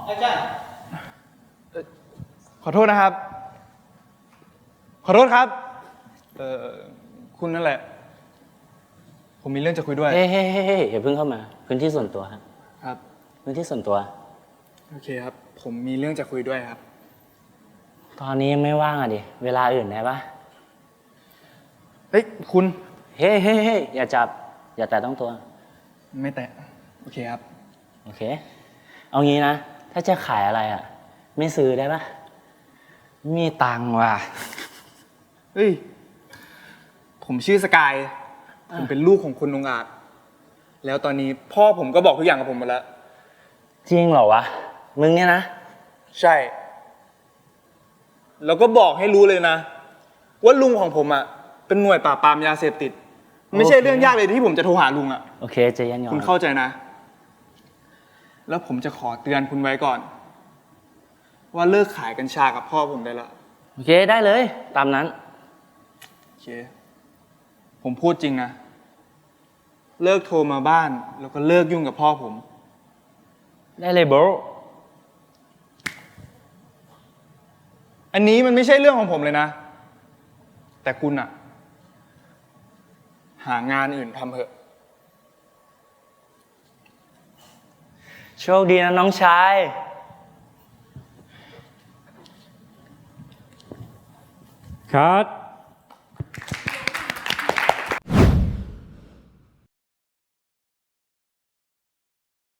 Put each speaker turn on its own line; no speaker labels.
อาจารย์
ขอโทษนะครับ ขอโทษครับ คุณนั่นแหละ ผมมีเรื่องจะคุยด้วย
เฮ้ยอย่าเพิ่งเข้ามาพื้นที่ส่วนตัวครับ
ครับ
พื้นที่ส่วนตัว
โอเคครับ ผมมีเรื่องจะคุยด้วยครับ
ตอนนี้ยังไม่ว่างอ่ะดิเวลาอื่นได้ปะ
เฮ้ย คุณ
เฮ้ยอย่าจับอย่าแตะต้องตัว
ไม่แตะ โอเคครับ
โอเค เอางี้นะ ถ้าจะขายอะไรอ่ะ ไม่ซื้อได้ปะมีตังค์ว่ะ
เฮ้ย ผมชื่อสกาย ผมเป็นลูกของคุณองอาจ แล้วตอนนี้พ่อผมก็บอกทุกอย่างกับผมหมดแล้ว
จริงเหรอวะ มึงเนี่ยนะ
ใช่ แล้วก็บอกให้รู้เลยนะ ว่าลุงของผมอ่ะ เป็นหน่วยปราบปรามยาเสพติด ไม่ใช่เรื่องยากเลยที่ผมจะโทรหาลุงอ่ะ
โอเคใจเย็นก่อน
คุณเข้าใจนะ แล้วผมจะขอเตือนคุณไว้ก่อน ว่าเลิกขายกัญชากับพ่อผมได้ละ
โอเคได้เลย ตามนั้น
โอเค ผมพูดจริงนะ เลิกโทรมาบ้าน แล้วก็เลิกยุ่งกับพ่อผม
ได้เลยโบร
อันนี้มันไม่ใช่เรื่องของผมเลยนะ แต่คุณอะหางานอื่นทำเถอะ
โชคดีนะน้องชาย
คัด